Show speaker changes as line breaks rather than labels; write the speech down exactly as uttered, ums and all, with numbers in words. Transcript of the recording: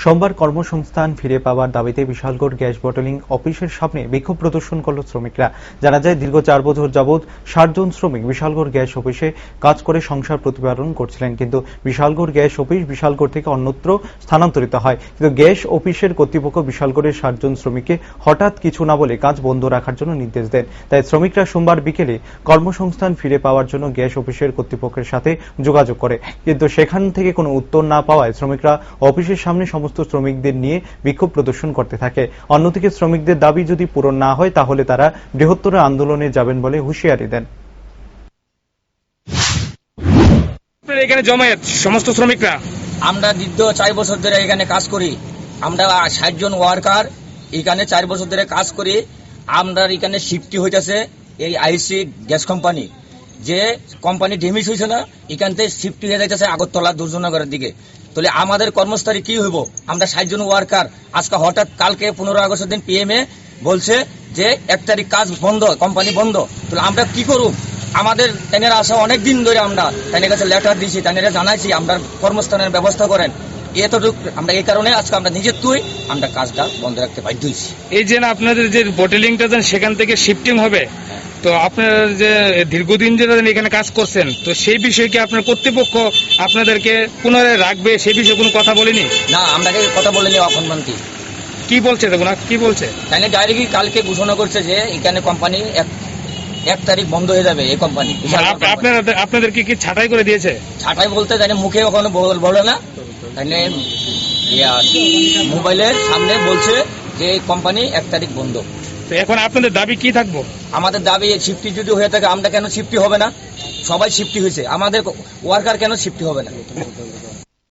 সোমবার কর্মসংস্থান ফিরে পাওয়ার দাবিতে বিশালগড় গ্যাস বটলিং অফিসের সামনে বিক্ষোভ প্রদর্শন করল শ্রমিকরা। জানা যায়, দীর্ঘ চার বছর যাবৎ ষাট জন শ্রমিক বিশালগড় গ্যাস অফিসে কাজ করে সংসার প্রতিপালন করছিলেন, কিন্তু বিশালগড় গ্যাস অফিস বিশালগড় থেকে অন্যত্র স্থানান্তরিত হয়। কিন্তু গ্যাস অফিসের কর্তৃপক্ষ বিশালগড়ের ষাট জন শ্রমিককে হঠাৎ কিছু না বলে কাজ বন্ধ রাখার জন্য নির্দেশ দেন। তাই শ্রমিকরা সোমবার বিকেলে কর্মসংস্থান ফিরে পাওয়ার জন্য গ্যাস অফিসের কর্তৃপক্ষের সাথে যোগাযোগ করে, কিন্তু সেখান থেকে কোনো উত্তর না পাওয়ায় শ্রমিকরা অফিসের সামনে সমস্ত শ্রমিকদের নিয়ে বিক্ষোভ প্রদর্শন করতে থাকে। অন্যদিকে শ্রমিকদের দাবি যদি পূরণ না হয় তাহলে তারা বৃহত্তর আন্দোলনে যাবেন বলে হুঁশিয়ারি দেন।
এখানে জমায়েত সমস্ত শ্রমিকরা,
আমরা দীর্ঘ চার বছর ধরে এখানে কাজ করি। আমরা ষাট জন ওয়ার্কার এখানে চার বছর ধরে কাজ করি। আমরা এখানে শিফটি হইতেছে এই আইসি গ্যাস কোম্পানি, যে কোম্পানি ডেমিস হয়েছে না, এখান থেকে শিফটি হয়ে যাইতেছে আগরতলা দুর্যোগনগরের দিকে। তাহলে আমাদের কর্মস্থলে কি হইব? আমরা ষাট জন ওয়ার্কার আজকে হঠাৎ কালকে পনেরো আগস্টের দিন পিএমএ বলছে যে এক তারিখ কাজ বন্ধ, কোম্পানি বন্ধ। তাহলে আমরা কি করব? আমাদের তেনারা আসা অনেক দিন ধরে আমরা তেনের কাছে লেটার দিয়েছি, তেনারা জানাইছি আমরা কর্মস্থানের ব্যবস্থা করেন। এতটুকু আমরা এই কারণে আজকে আমরা নিজের তুই আমরা কাজটা বন্ধ রাখতে বাধ্য হয়েছি।
এই যে আপনাদের যে বটলিংটা সেখান থেকে শিফটিং হবে, তো আপনারা যে দীর্ঘদিন যেটা এখানে কাজ করছেন, তো সেই বিষয়ে কি আপনার কর্তৃপক্ষ আপনাদেরকে পুনরায় রাখবে, সেই বিষয়ে কোনো কথা বলেনি?
না, আমরাকে কথা বলেনি। এখন মান্তি
কি বলছে দেখুন কি বলছে,
তাই ডাইরেক্টলি কালকে ঘোষণা করছে যে এখানে কোম্পানি এক এক তারিখ বন্ধ হয়ে যাবে। এই কোম্পানি
আপনারা আপনাদের কি কি ছাঁটাই করে দিয়েছে?
ছাঁটাই বলতে তাই মুখে ওখানে বলে না, তাই মোবাইলের সামনে বলছে যে কোম্পানি এক তারিখ বন্ধ।
তো এখন আপনাদের দাবি কি থাকবো?
আমাদের দাবি শিফটি যদি হয়ে থাকে আমরা কেন শিফটি হবে না? সবাই শিফটি হয়েছে, আমাদের ওয়ার্কার কেন শিফটি হবে না?